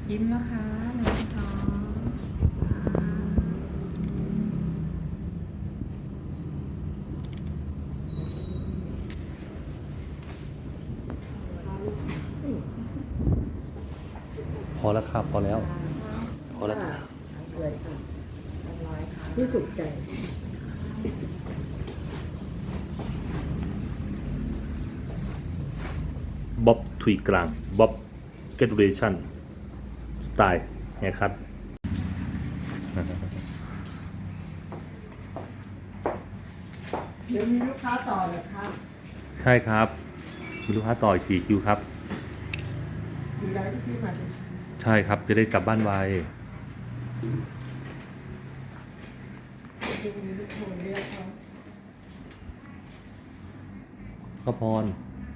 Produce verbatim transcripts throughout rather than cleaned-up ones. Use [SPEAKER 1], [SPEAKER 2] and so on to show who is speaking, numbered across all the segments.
[SPEAKER 1] ยิ้มนะคะหนึ่งสอง
[SPEAKER 2] พอแล้วครับพอแล้วพอแล้วครับ
[SPEAKER 1] เลยค่ะร้อยค่ะที่ถูกใจ
[SPEAKER 2] บ๊อบทุยกลางบ๊อบเกตเรชั่นสไตล์ไงครับ
[SPEAKER 1] เดี๋ยวมีลูกค้าต่อเลยครับ
[SPEAKER 2] ใช่ครับมีลูกค้าต่ออีกสี่คิวครับ
[SPEAKER 1] ดีแล้วที่พี่มาดิ
[SPEAKER 2] ใช่ครับจะได้กลับบ้านไว
[SPEAKER 1] จะมีลูกโทรเรียกเขา
[SPEAKER 2] ข้าวพร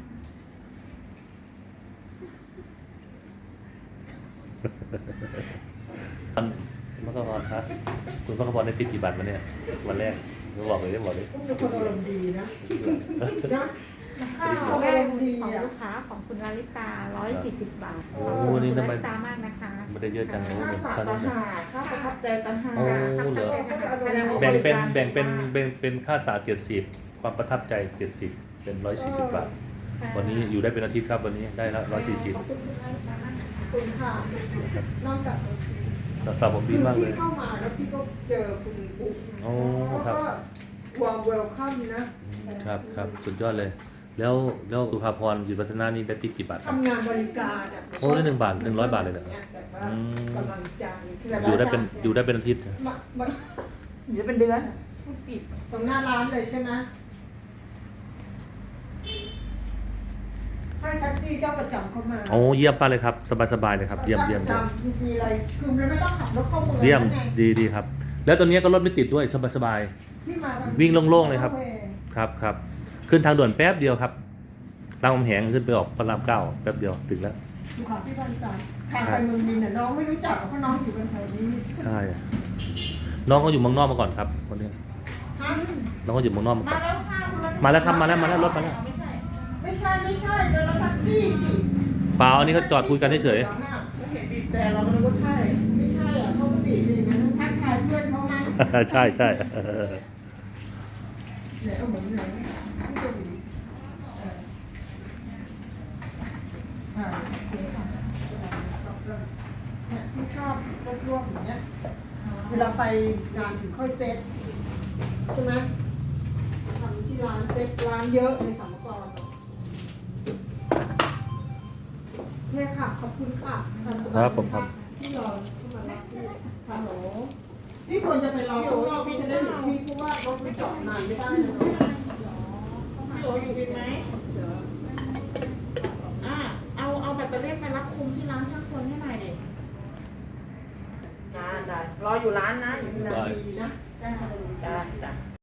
[SPEAKER 2] คุณพระกพรครับคุณพระกพรได้ติดกี่บาทมาเนี่ยวันแรกเราบอกเลยได้บอกเลย
[SPEAKER 1] คุณเป็นคนอารมณ์ดีนะนะ
[SPEAKER 3] ข้าวของลูกค้าของคุณลาลิตาร้อยสี่สิบบาท
[SPEAKER 2] โอ้นี่ทำไม
[SPEAKER 3] ลาลิตามากนะคะ
[SPEAKER 2] ไม่ได้เยอะจังโอ้
[SPEAKER 1] ค่า
[SPEAKER 2] เหมือน
[SPEAKER 1] สา
[SPEAKER 2] ตอน
[SPEAKER 1] ตั
[SPEAKER 2] นั้น
[SPEAKER 1] น
[SPEAKER 2] เนี่ย
[SPEAKER 1] หาค่าประทับใจตันหา
[SPEAKER 2] โอ้เหรอ แบ่งเป็นแบ่งเป็นแบ่งเป็นค่าสาเจ็ดสิบความประทับใจเจ็ดสิบเป็นร้อยสี่สิบบาทวันนี้อยู่ได้เป็นอาทิตย์ครับวันนี้ได้แล้วร้อยสี่สิบ
[SPEAKER 1] คุณค่ะนอกจาก
[SPEAKER 2] รักษาผมดีมากเลย
[SPEAKER 1] พี่เข้ามาแล้วพี่ก็เจอคุณอุ๊บ
[SPEAKER 2] โอ้ครับ
[SPEAKER 1] วอร์มเวลคัมนะ
[SPEAKER 2] ครับครับสุดยอดเลย แล้วแล้วสุภาพรอยู่พัฒนานี่ได้ติดกี่บาทครับ
[SPEAKER 1] ทำงานบริการอ่ะ
[SPEAKER 2] โอ้ได้หนึ่งบาทหนึ่งร้อยบาทเลยเหรอ
[SPEAKER 1] แบบว่า
[SPEAKER 2] อืม
[SPEAKER 1] กำลังใจ
[SPEAKER 2] อยู่ได้เป็นอยู่ได้เป็นอาทิตย์
[SPEAKER 1] มามา
[SPEAKER 3] หรือเป็นเดือน
[SPEAKER 1] ปิดตรงหน้าร้านเลยใช่ไหมให้แท็กซี่เจ้าประจำเข้ามา
[SPEAKER 2] โอ้เยี่ยมป้าเลยครับสบายสบายเลยครับเยี่ยมเยี่ยม
[SPEAKER 1] จ้า
[SPEAKER 2] เยี่ยม
[SPEAKER 1] ประจำมีอะไรคือมันไม่ต้องขับรถเข้าเมือง
[SPEAKER 2] เยี่ยม
[SPEAKER 1] นั่นไง
[SPEAKER 2] ดีดีครับ แล้วตอนนี้ก็รถไม่ติดด้วยสบายสบาย
[SPEAKER 1] ที่มาทา
[SPEAKER 2] วิ่งโล่งๆเลยครับ ครับครับขึ้นทางด่วนแป๊บเดียวครับรามคำแหงขึ้นไปออกพระรามเก้าแป๊บเดียวถึงแล้ว
[SPEAKER 1] สุขาพิบาลสามทางไปเมืองมินน่ะน้องไม่รู้จักเพราะน้องอยู่กันแถวนี้
[SPEAKER 2] ใช่น้องก็อยู่เมืองนอกมาก่อนครับคนนี้
[SPEAKER 1] ฮะ
[SPEAKER 2] น้องก็อยู่เมืองนอกมาก่อน
[SPEAKER 1] มาแล้วค่ะคุณ
[SPEAKER 2] มาแล้วครับมาแล้วมาแล้วรถมาแล้ว
[SPEAKER 1] ไม่ใช่ไม่ใช่เดินรถแท็กซี่สิ
[SPEAKER 2] เปล่าอันนี้เขาจอดคุยกันเฉย
[SPEAKER 1] เราเห็นบีบแต่เราก็นึกว่าใช่ไม่ใช่อ่ะเขาก็บีบเลยนะทักทายเพื่อนเขามั้ง
[SPEAKER 2] ๆ ใช่ใช่
[SPEAKER 1] เนี่ยเอาเหมือนไหนที่จะบีบเอออ่าโอเคค่ะเนี่ยที่ชอบรวบๆอย่างเงี้ยเวลาไปงานถึงค่อยเซ็ตใช่ไหมทำที่ร้านเซ็ตร้านเยอะในสัมกรโอเคค่ะขอบคุณค่ะที่รอที่มารับพี่ฮัลโหลพี่ควรจะไปรอข้างนอกพี่จะได้เห็นพี่เพราะว่ารถไม่จอดนานไม่ได้เลย
[SPEAKER 4] พี่โออยู่บินไหมอ่าเอาเอาแบตเตอรี่ไปรับคุมที่ร้านช่างคนให้หน่อยเด็กจ้าจ้ารออยู่ร้านนะอยู่ที่ร้าน
[SPEAKER 1] ดีนะได้ค่ะ
[SPEAKER 4] จ้าจ้า